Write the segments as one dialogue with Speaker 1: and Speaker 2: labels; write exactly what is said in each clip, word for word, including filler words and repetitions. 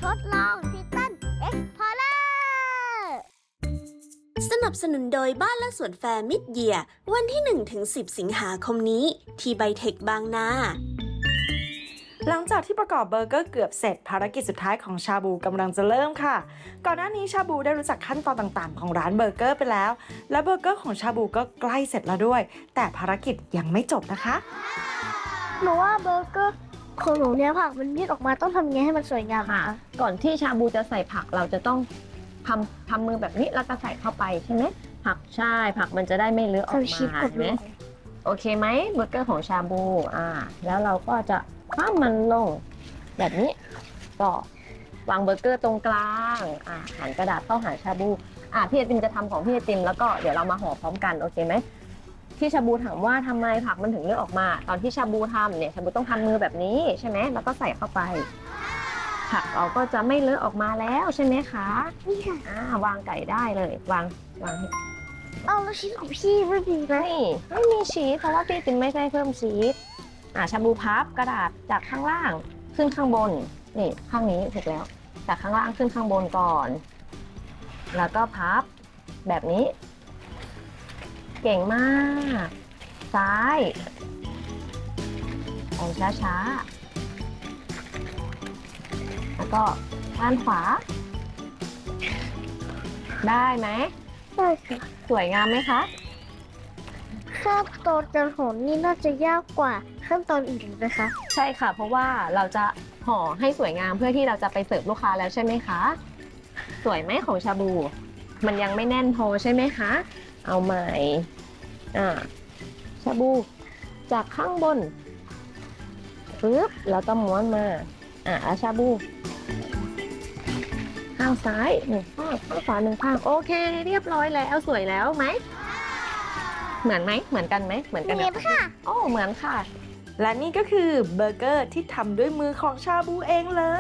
Speaker 1: ทดลองทิตันเอ็กพอร์เลอร์
Speaker 2: สนับสนุนโดยบ้านและสวนแฟร์มิดเยียร์วันที่ หนึ่งถึงสิบ สิงหาคมนี้ที่ไบเทคบางนา
Speaker 3: หลังจากที่ประกอบเบอร์เกอร์เกือบเสร็จภารกิจสุดท้ายของชาบูกำลังจะเริ่มค่ะก่อนหน้านี้ชาบูได้รู้จักขั้นตอนต่างๆของร้านเบอร์เกอร์ไปแล้วและเบอร์เกอร์ของชาบูก็ใกล้เสร็จแล้วด้วยแต่ภารกิจยังไม่จบนะคะ
Speaker 1: หนูว่าเบอร์เกอร์ของหนูเนี่ยผักมันยืดออกมาต้องทำยังไงให้มันสวยงาม
Speaker 4: ค่ะ ก่อนที่ชาบูจะใส่ผักเราจะต้องทำทำมือแบบนี้แล้วก็ใส่เข้าไปใช่ไหมผักใช่ผักมันจะได้ไม่เลอะออก
Speaker 1: ทำชิป
Speaker 4: มา
Speaker 1: กับ
Speaker 4: เห็นไหม
Speaker 1: ลูก
Speaker 4: โอเคไหมเบอร์เกอร์ของชาบูอ่าแล้วเราก็จะคว่ำมันลงแบบนี้ก็วางเบอร์เกอร์ตรงกลางอ่าหันกระดาษเข้าหาชาบูอ่าพี่ไอติมจะทำของพี่ไอติมแล้วก็เดี๋ยวเรามาห่อพร้อมกันโอเคไหมที่ชาบูถามว่าทำไมผักมันถึงเลอะออกมา ตอนที่ชาบูทำเนี่ยชาบูต้องทำมือแบบนี้ใช่ไหมแล้วก็ใส่เข้าไปผักเราก็จะไม่เลอะออกมาแล้วใช่ไหมคะ
Speaker 1: นี่ค่ะ
Speaker 4: อ่าวางไก่ได้เลยวางวางให้
Speaker 1: เอาแล้วชิ้นของพี่ไม่ดีนะ
Speaker 4: นี่ไม่มีชีสเพราะว่าพี่ติมไม่ได้เพิ่มชีสอ่าชาบูพับกระดาษจากข้างล่างขึ้นข้างบนนี่ข้างนี้ถูกแล้วจากข้างล่างขึ้นข้างบนก่อน แล้วก็พับแบบนี้ เก่งมากซ้ายไปช้าๆแล้วก็ด้านขวา ได้ไหม
Speaker 1: ได้ค่ะ
Speaker 4: สวยงามไหมคะ
Speaker 1: ขั้นตอนการห่อนี่น่าจะยากกว่าขั้นตอนอื่นนะคะ
Speaker 4: ใช่ค่ะ เพราะว่าเราจะห่อให้สวยงามเพื่อที่เราจะไปเสิร์ฟลูกค้าแล้วใช่ไหมคะ สวยไหมของชาบู มันยังไม่แน่นพอใช่ไหมคะ เอาใหม่อ่าชาบูจากข้างบนปึ๊บแล้วก็ม้วนมาอ่าแล้วชาบู ข้างซ้ายหนึ่งข้างข้างขวาหนึ่งข้างโอเคเรียบร้อยแล้วสวยแล้วไหมเหมือนไหมเหมือนกันไหมเหมือนกัน
Speaker 1: เหมือนค่ะ
Speaker 4: โอ้เหมือนค่ะ
Speaker 3: และนี่ก็คือเบอร์เกอร์ที่ทำด้วยมือของชาบูเองเลย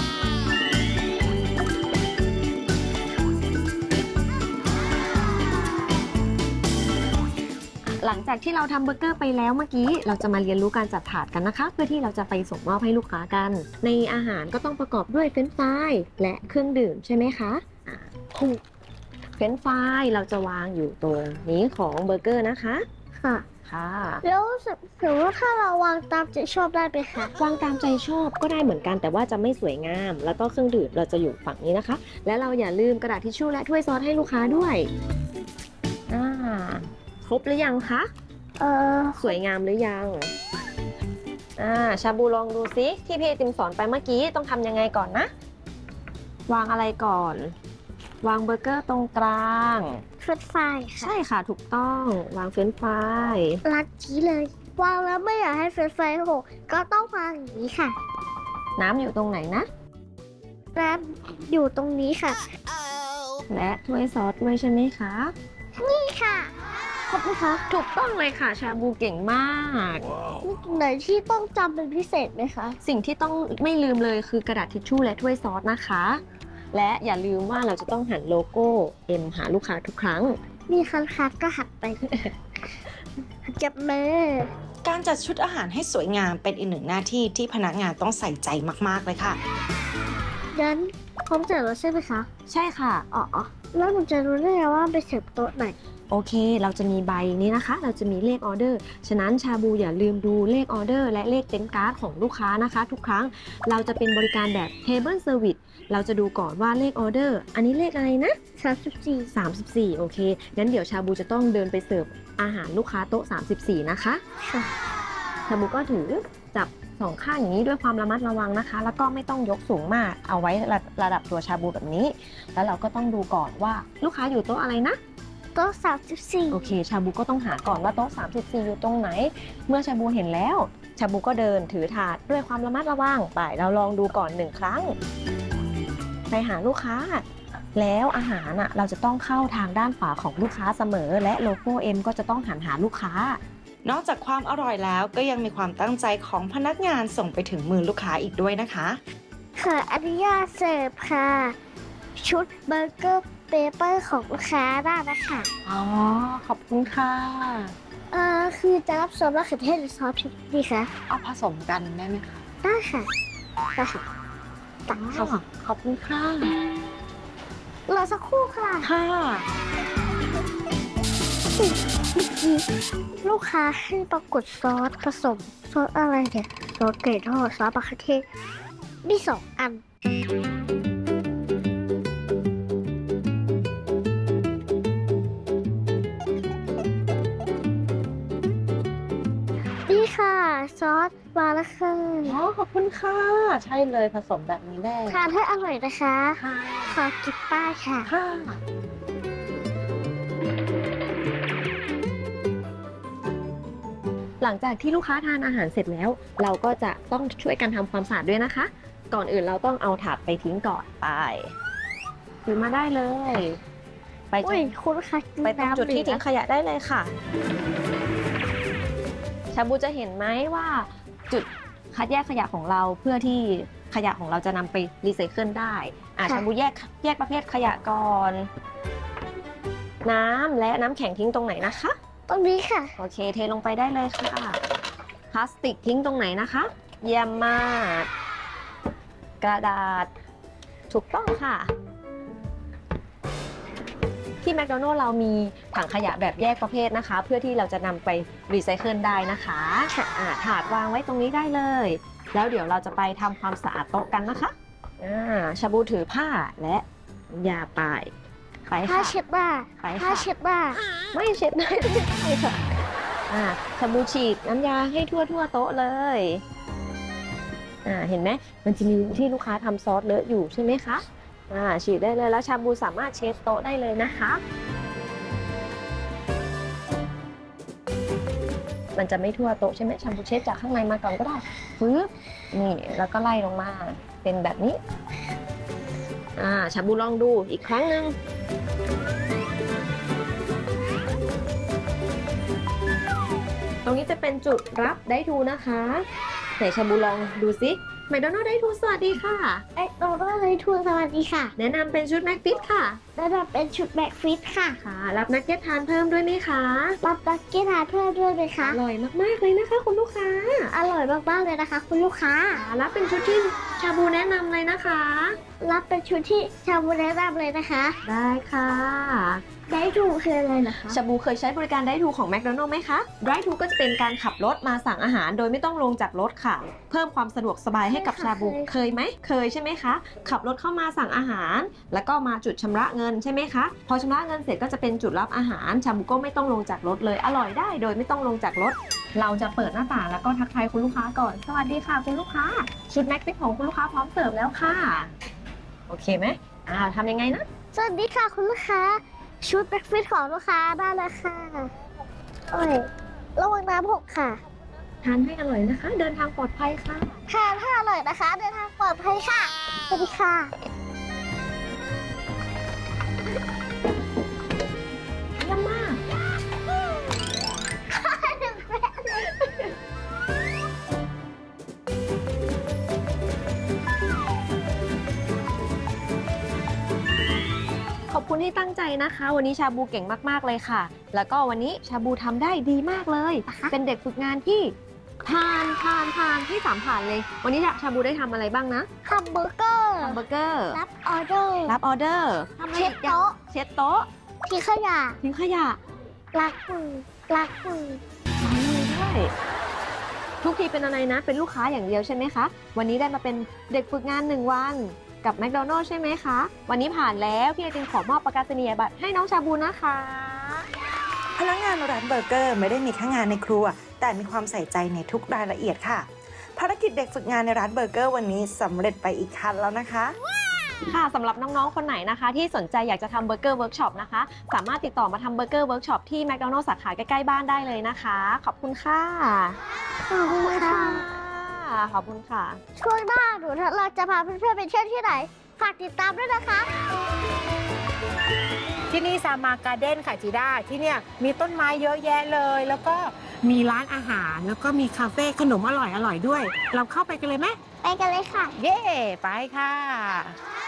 Speaker 4: หลังจากที่เราทำเบอร์เกอร์ไปแล้วเมื่อกี้เราจะมาเรียนรู้การจัดถาดกันนะคะ เพื่อที่เราจะไปส่งมอบให้ลูกค้ากัน ในอาหารก็ต้องประกอบด้วยเฟรนช์ฟรายและเครื่องดื่มใช่ไหมคะอ่าถูกเฟรนช์ฟรายเราจะวางอยู่ตรงนี้ของเบอร์เกอร์นะคะ
Speaker 1: ค่ะ
Speaker 4: ค่ะ
Speaker 1: แล้วสมมติว่าถ้าเราวางตามใจชอบได้ไหมคะ
Speaker 4: วางตามใจชอบก็ได้เหมือนกันแต่ว่าจะไม่สวยงาม แล้วก็เครื่องดื่มเราจะอยู่ฝั่งนี้นะคะ และเราอย่าลืมกระดาษทิชชู่และถ้วยซอสให้ลูกค้าด้วยอ่าครบหรือยังคะ
Speaker 1: เออ
Speaker 4: สวยงามหรือยัง อ่า ชาบูลองดูซิที่พี่ไอติมสอนไปเมื่อกี้ต้องทำยังไงก่อนนะ วางอะไรก่อน วางเบอร์เกอร์ตรงกลาง
Speaker 1: เฟรนช์ฟรายค่ะ
Speaker 4: ใช่ค่ะถูกต้อง วางเฟรนช์ฟราย
Speaker 1: ลัดจี้เลย วางแล้วไม่อยากให้เฟรนช์ฟรายหกก็ต้องวางอย่างนี้ค่ะ
Speaker 4: น้ำอยู่ตรงไหนนะ
Speaker 1: น้ำอยู่ตรงนี้ค่ะ
Speaker 4: และถ้วยซอสด้วยใช่ไหมคะ
Speaker 1: นี่ค่ะครบไหมคะ
Speaker 4: ถูกต้องเลยค่ะ ชาบูเก่งมาก
Speaker 1: มีตรงไหนที่ต้องจำเป็นพิเศษไหมคะ
Speaker 4: สิ่งที่ต้องไม่ลืมเลยคือกระดาษทิชชู่และถ้วยซอสนะคะ และอย่าลืมว่าเราจะต้องหันโลโก้ M หาลูกค้าทุกครั้ง
Speaker 1: มีคันคัดก็หักไป จับมือ
Speaker 3: การจัดชุดอาหารให้สวยงามเป็นอีกหนึ่งหน้าที่ที่พนักงานต้องใส่ใจมากๆเลยค่ะ
Speaker 1: งั้นพร้อมเสิร์ฟแล้วใช่ไหมคะ
Speaker 4: ใช่ค่ะ
Speaker 1: อ๋อ แล้วหนูจะรู้ได้ไงว่าไปเสิร์ฟโต๊ะไหน
Speaker 4: โอเค เราจะมีใบนี้นะคะ เราจะมีเลขออเดอร์ ฉะนั้นชาบูอย่าลืมดูเลขออเดอร์และเลขเต็นท์การ์ดของลูกค้านะคะ ทุกครั้ง เราจะเป็นบริการแบบ Table Service เราจะดูก่อนว่าเลขออเดอร์ อันนี้เลขอะไรนะ
Speaker 1: สามสิบสี่
Speaker 4: สามสิบสี่ โอเค งั้นเดี๋ยวชาบูจะต้องเดินไปเสิร์ฟอาหารลูกค้าโต๊ะ สามสิบสี่ นะคะ
Speaker 1: ค่ะ
Speaker 4: ชาบูก็ถือจับสองข้างอย่างนี้ด้วยความระมัดระวังนะคะ แล้วก็ไม่ต้องยกสูงมาก เอาไว้ระระดับตัวชาบูแบบนี้ แล้วเราก็ต้องดูก่อนว่าลูกค้าอยู่โต๊ะอะไรนะ
Speaker 1: โต๊ะสามสิบสี่
Speaker 4: โอเค ชาบูก็ต้องหาก่อนว่าโต๊ะ สามสิบสี่ อยู่ตรงไหน เมื่อชาบูเห็นแล้ว ชาบูก็เดินถือถาดด้วยความระมัดระวังไป เราลองดูก่อนหนึ่งครั้ง ไปหาลูกค้า แล้วอาหารอ่ะเราจะต้องเข้าทางด้านขวาของลูกค้าเสมอ และโลโก้ M ก็จะต้องหันหาลูกค้า
Speaker 3: นอกจากความอร่อยแล้วก็ยังมีความตั้งใจของพนักงานส่งไปถึงมือลูกค้าอีกด้วยนะคะ
Speaker 1: ขออนุญาตเสิร์ฟค่ะ ชุดเบอร์เกอร์เปเปอร์ของลูกค้าได้นะคะ
Speaker 4: อ๋อ ขอบคุณค่ะ
Speaker 1: เอ่อคือจะรับซอสมะเขือเทศหรือซอสพริกดีคะ
Speaker 5: เอาผสมกันได้ไหมคะ
Speaker 1: ได้ค่ะได้ค่ะตัก
Speaker 3: ข
Speaker 1: ค่ะ
Speaker 3: อบขอบคุณค่ะ
Speaker 1: รอสักครู่ค่ะ
Speaker 3: ค่ะ
Speaker 1: ลูกค้าให้ปรากฏซอสผสมซอสอะไรเนี่ยซอสไก่ทอดซอสมะเขือเทศมีสองอัน นี่ค่ะ ซอสมาแล้วค่ะ
Speaker 3: อ๋อ ขอบคุณค่ะ ใช่เลยผสมแบบนี้แน่
Speaker 1: ทานให้อร่อยนะคะ
Speaker 3: ค่ะ
Speaker 1: ขอกินป้ายค่ะ
Speaker 3: ค่ะ
Speaker 4: หลังจากที่ลูกค้าทานอาหารเสร็จแล้ว เราก็จะต้องช่วยกันทำความสะอาดด้วยนะคะ ก่อนอื่นเราต้องเอาถาดไปทิ้งก่อนไปถือมาได้เลย ไป
Speaker 1: อุ้ยคุณคะกิน
Speaker 4: ไปตรง
Speaker 1: น้ำ
Speaker 4: จุดที่
Speaker 1: เหลื
Speaker 4: ทิ้
Speaker 1: อง
Speaker 4: ขยะได้เลยค่ะ ชาบูจะเห็นไหมว่าจุดคัดแยกขยะของเราเพื่อที่ขยะของเราจะนำไปรีไซเคิลได้อ่ะชาบูแยกแยกประเภทขยะก่อน น้ำและน้ำแข็งทิ้งตรงไหนนะคะ
Speaker 1: ตรงนี้ค่ะ
Speaker 4: โอเคเทลงไปได้เลยค่ะพลาสติกทิ้งตรงไหนนะคะ เยี่ยมมาก กระดาษถูกต้องค่ะ ที่แมคโดนัลล์เรามีถังขยะแบบแยกประเภทนะคะ เพื่อที่เราจะนำไปรีไซเคิลได้นะคะอ่าถาดวางไว้ตรงนี้ได้เลย แล้วเดี๋ยวเราจะไปทำความสะอาดโต๊ะกันนะคะอ่าชาบูถือผ้าและยาไปไป
Speaker 1: ผ้า
Speaker 4: ค่ะ
Speaker 1: เช็ดบ้า
Speaker 4: ไป
Speaker 1: ผ้า
Speaker 4: ค่ะ
Speaker 1: เช็ดบ้า
Speaker 4: ไม่เช็ดได้ไม่ได้ค่ะอ่าชาบูฉีดน้ำยาให้ทั่วทั่วโต๊ะเลยอ่าเห็นไหมมันจะมีที่ลูกค้าทำซอสเลอะอยู่ใช่ไหมคะอ่าฉีดได้เลยแล้วชาบูสามารถเช็ดโต๊ะได้เลยนะคะ มันจะไม่ทั่วโต๊ะใช่ไหมชาบูเช็ดจากข้างในมาก่อนก็ได้ปึ๊บนี่แล้วก็ไล่ลงมาเป็นแบบนี้อ่าชาบูลองดูอีกครั้งหนึ่งตรงนี้จะเป็นจุดรับได้ทูนะคะไหนชาบูลองดูซิแมคโดนัลด์ได้ทูสวัสดีค่ะ
Speaker 1: เอ๊ะเราต้องเลยทูนสวัสดีค่ะ
Speaker 4: แนะนำเป็นชุดแม็กฟิตค่ะ
Speaker 1: แล้วเราเป็นชุดแบ็กฟิตค่ะ
Speaker 4: ค่ะ รับนักเก็ตทานเพิ่มด้วยไหมคะ
Speaker 1: รับดักกี้ทานเพิ่มด้วยไหมคะ
Speaker 4: อร่อยมากๆเลยนะคะคุณลูกค้า
Speaker 1: อร่อยมากๆเลยนะคะ คุณลูกค้า
Speaker 4: ค่ะรับเป็นชุดที่ชาบูแนะนำเลยนะคะ
Speaker 1: รับเป็นชุดที่ชาบูแนะนำเลยนะคะ
Speaker 4: ได้ค่ะ
Speaker 1: ได้ถูกคืออะไรนะคะ
Speaker 4: ชาบูเคยใช้บริการไดทูของแมคโดนัลล์ไหมคะไดทูก็จะเป็นการขับรถมาสั่งอาหารโดยไม่ต้องลงจากรถค่ะ เพิ่มความสะดวกสบายให้กับชาบูเคยไหมเคยใช่ไหมคะขับรถเข้ามาสั่งอาหาร แล้วก็มาจุดชำระเงินใช่ไหมคะพอชำระเงินเสร็จก็จะเป็นจุดรับอาหารชาบูก็ไม่ต้องลงจากรถเลยอร่อยได้โดยไม่ต้องลงจากรถ เราจะเปิดหน้าต่างแล้วก็ทักทายคุณลูกค้าก่อนสวัสดีค่ะคุณลูกค้าชุดแม็กฟิตของคุณลูกค้าพร้อมเสิร์ฟแล้วค่ะโอเคไหมอ่าทำยังไงนะ
Speaker 1: สวัสดีค่ะคุณลูกค้า ชุดแบ็กฟิตของลูกค้าได้เลยค่ะโอ้ยระวังน้ำหกค่ะ
Speaker 4: ทานให้อร่อยนะคะ เดินทางปลอดภัยค่ะ
Speaker 1: ค่ะถ้าอร่อยนะคะ เดินทางปลอดภัยค่ะ สวัสดีค่ะ
Speaker 4: เยี่ยมมาก ขอบคุณที่ตั้งใจนะคะ วันนี้ชาบูเก่งมากๆเลยค่ะ แล้วก็วันนี้ชาบูทำได้ดีมากเลย เป็นเด็กฝึกงานที่ผ่านผ่านผ่านที่สามผ่านเลย วันนี้ชาบูได้ทำอะไรบ้างนะ
Speaker 1: แฮมเบอร์เกอร์
Speaker 4: แฮมเบอร์เกอร์
Speaker 1: รับออเดอร์
Speaker 4: รับออเดอร์ทำอะไร
Speaker 1: เช็ด
Speaker 4: อีกอย่าง
Speaker 1: โต๊ะ
Speaker 4: เช็ดโต๊ะ
Speaker 1: ทิ้งขยะ
Speaker 4: ทิ้งขยะ
Speaker 1: ล้างมือล้างมือ
Speaker 4: ล้างมือด้วยทุกทีเป็นอะไรนะ เป็นลูกค้าอย่างเดียวใช่ไหมคะ วันนี้ได้มาเป็นเด็กฝึกงานหนึ่งวันกับแมคโดนัลล์ใช่ไหมคะ วันนี้ผ่านแล้วพี่ไอติมขอมอบประกาศนียบัตรให้น้องชาบูนะคะ
Speaker 3: พนักงานร้านเบอร์เกอร์ไม่ได้มีแค่งานในครัว แต่มีความใส่ใจในทุกรายละเอียดค่ะ ภารกิจเด็กฝึกงานในร้านเบอร์เกอร์วันนี้สำเร็จไปอีกขั้นแล้วนะคะ
Speaker 4: ค่ะสำหรับน้องๆ คนไหนนะคะ ที่สนใจอยากจะทำเบอร์เกอร์เวิร์กช็อปนะคะ สามารถติดต่อมาทำเบอร์เกอร์เวิร์กช็อปที่แมคโดนัลล์สาขาใกล้ๆบ้านได้เลยนะคะ ขอบคุณค่ะ
Speaker 1: ขอบคุณค่ะ
Speaker 4: ขอบคุณค่ะ
Speaker 1: ช่วงหน้าหนูเราจะพาเพื่อนๆไปเที่ยวที่ไหน ฝากติดตามด้วยนะคะ
Speaker 5: ที่นี่ซามาการ์เด้นค่ะจีด้าที่เนี่ยมีต้นไม้เยอะแยะเลย แล้วก็มีร้านอาหารแล้วก็มีคาเฟ่ขนมอร่อยอร่อยด้วย เราเข้าไปกันเลยไหม
Speaker 1: ไปกันเลยค่ะ
Speaker 5: เย่ไปค่ะ